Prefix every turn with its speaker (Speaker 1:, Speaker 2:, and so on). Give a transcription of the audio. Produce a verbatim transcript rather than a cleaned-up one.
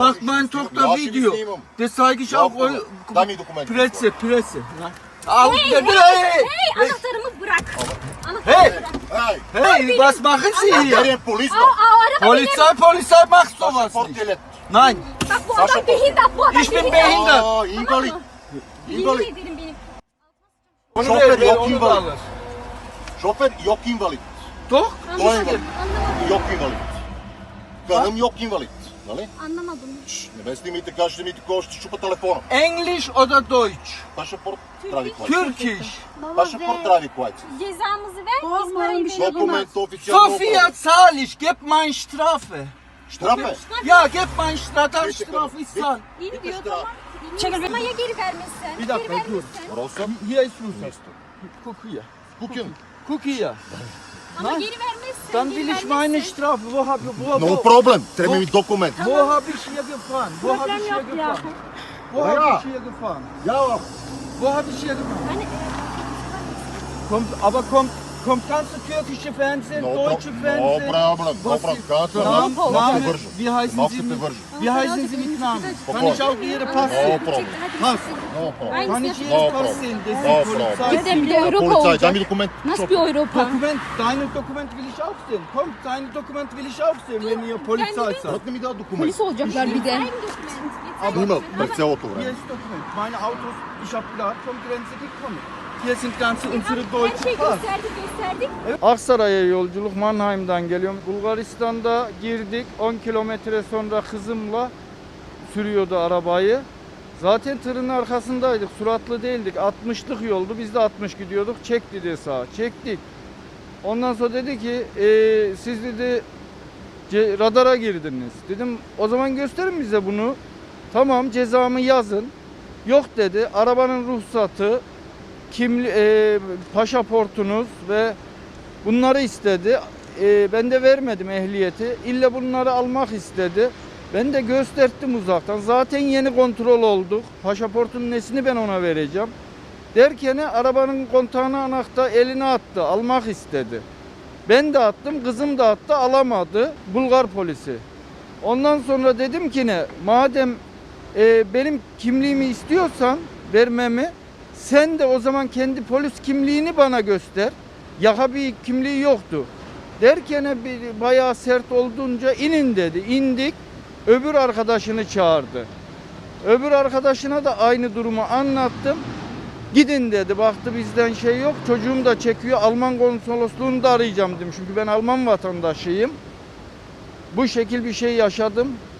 Speaker 1: Macht man Tochter
Speaker 2: Ja,
Speaker 1: Video.
Speaker 2: Minimum.
Speaker 1: Das zeige ich
Speaker 2: Ja,
Speaker 1: auch.
Speaker 2: komm, дай mir Dokumente.
Speaker 1: Presse, Presse. Al,
Speaker 3: Hey,
Speaker 1: hey,
Speaker 3: hey,
Speaker 1: hey,
Speaker 3: hey, anahtarımı bırak. Anahtarımı
Speaker 1: Hey!
Speaker 3: bırak.
Speaker 2: Hey,
Speaker 1: hey, was machen Sie
Speaker 2: wer
Speaker 1: hier?
Speaker 2: ist Polizei?
Speaker 3: Aa, aa, araba benim.
Speaker 1: Polizei, Polizei macht sowas
Speaker 2: Pasaporт
Speaker 1: nicht.
Speaker 2: gelet.
Speaker 1: Nein,
Speaker 3: Bak bu adam
Speaker 2: Pasaporт.
Speaker 3: behindert, bu adam
Speaker 1: ich bin
Speaker 3: behindert.
Speaker 1: behindert.
Speaker 2: Aa, invalid.
Speaker 3: Yemin
Speaker 2: Invalid.
Speaker 3: ederim benim.
Speaker 1: Onu
Speaker 2: Şoför
Speaker 1: ver, ver,
Speaker 2: yok,
Speaker 1: onu da
Speaker 2: invalid.
Speaker 1: alır.
Speaker 2: Şoför yok invalid.
Speaker 1: Doch?
Speaker 2: Dolayı
Speaker 3: Anlamadım,
Speaker 2: invalid.
Speaker 3: anlamadım.
Speaker 2: Yok invalid. Karım yok invalid. Нали?
Speaker 3: Anlamadım.
Speaker 2: Не ме снимайте, кажете ми такова, ще щупа телефона.
Speaker 1: Englisch oder Deutsch?
Speaker 2: Пашапорт прави клайци.
Speaker 1: Türkisch.
Speaker 3: Baba
Speaker 2: Пашапорт
Speaker 3: ver.
Speaker 2: прави клайци.
Speaker 3: Cezamızı ver, biz parayı verelim.
Speaker 2: Документ официално.
Speaker 1: Sophia, zahl ich, gib mein Strafe.
Speaker 2: Штрафе.
Speaker 1: Ja, gib mein Strafe, dann Strafe ich zahl.
Speaker 3: İyi
Speaker 2: Bitte
Speaker 3: diyor
Speaker 2: Strafe.
Speaker 3: tamam. Çekil. Ama ya geri vermezsen?
Speaker 1: Bir dakika,
Speaker 3: geri
Speaker 1: dur.
Speaker 3: vermezsen.
Speaker 2: Роса.
Speaker 1: Hier ist Russland. Guck hier.
Speaker 2: Кукин.
Speaker 1: Guck hier.
Speaker 3: Ama
Speaker 1: Nein.
Speaker 3: geri vermezsen.
Speaker 1: Dann
Speaker 3: geri
Speaker 1: will ich
Speaker 3: vermezsen.
Speaker 1: meine Strafe. Wo hab ich, wo,
Speaker 2: No
Speaker 1: wo,
Speaker 2: problem. Treba mi dokument.
Speaker 1: wo hab ich hier gefahren? Wo hab ich hier gefahren? Wo
Speaker 2: Ja.
Speaker 1: hab ich hier gefahren?
Speaker 2: Ja.
Speaker 1: Wo hab ich hier gefahren?
Speaker 3: Hani,
Speaker 1: Kommt, aber kommt, kommt ganze türkische Fernsehen,
Speaker 2: No,
Speaker 1: deutsche
Speaker 2: pro- no
Speaker 1: Fernsehen.
Speaker 2: problem. No
Speaker 1: Was
Speaker 2: problem.
Speaker 1: ist-
Speaker 2: Kannst du
Speaker 1: Namen,
Speaker 2: malko
Speaker 1: Namen,
Speaker 2: te vržu.
Speaker 1: wie heißen
Speaker 2: Malko
Speaker 1: Sie
Speaker 2: te
Speaker 1: mit,
Speaker 2: vržu.
Speaker 1: wie heißen Sie mit Namen? Kann ich auch Ihre Pass
Speaker 2: No
Speaker 1: sehen?
Speaker 2: problem.
Speaker 1: Pass.
Speaker 2: No problem.
Speaker 1: Kann ich
Speaker 3: aynısını
Speaker 2: No
Speaker 1: Ihre Pass
Speaker 2: problem.
Speaker 1: sehen? Das
Speaker 2: No
Speaker 1: ist
Speaker 2: problem.
Speaker 1: Polizei.
Speaker 3: Dedem bir de Avrupa
Speaker 2: Полицай, дай
Speaker 3: olacak.
Speaker 2: ми документ.
Speaker 3: Nasıl bir Avrupa?
Speaker 1: Dokument, deine Dokument will ich auch sehen. Komm, deine Dokument will ich auch sehen, wenn ihr Polizei seid.
Speaker 2: Как не ми дава документ?
Speaker 3: Polis olacaklar bir de.
Speaker 2: Има през цялото
Speaker 1: Hier
Speaker 2: време.
Speaker 1: ist Dokument. Meine Autos, ich habe gerade vom Grenze gekommen. Hier sind ganze unsere
Speaker 3: Her
Speaker 1: deutschen
Speaker 3: şeyi
Speaker 1: Pass.
Speaker 3: gösterdik gösterdik.
Speaker 4: Aksaray'a yolculuk Mannheim'dan geliyorum. Bulgaristan'da girdik. on kilometre sonra kızımla sürüyordu arabayı. Zaten tırın arkasındaydık. Suratlı değildik. altmışlık yoldu. Biz de altmış gidiyorduk. Çek dedi sağa. Çektik. Ondan sonra dedi ki "Ee, siz dedi ce- radara girdiniz. Dedim o zaman gösterin bize bunu. Tamam cezamı yazın. Yok dedi. Arabanın ruhsatı, kimli, e, pasaportunuz ve bunları istedi. E, ben de vermedim ehliyeti. İlle bunları almak istedi. Ben de gösterdim uzaktan. Zaten yeni kontrol olduk. Pasaportun nesini ben ona vereceğim. Derken arabanın kontağına anahtar eline attı. Almak istedi. Ben de attım. Kızım da attı. Alamadı. Bulgar polisi. Ondan sonra dedim ki ne? Madem e, benim kimliğimi istiyorsan vermemi, sen de o zaman kendi polis kimliğini bana göster. Yaka bir kimliği yoktu. Derken bir bayağı sert olduğunca inin dedi. İndik. Öbür arkadaşını çağırdı. Öbür arkadaşına da aynı durumu anlattım. Gidin dedi. Baktı bizden şey yok. Çocuğum da çekiyor. Alman konsolosluğunu da arayacağım dedim. Çünkü ben Alman vatandaşıyım. Bu şekil bir şey yaşadım.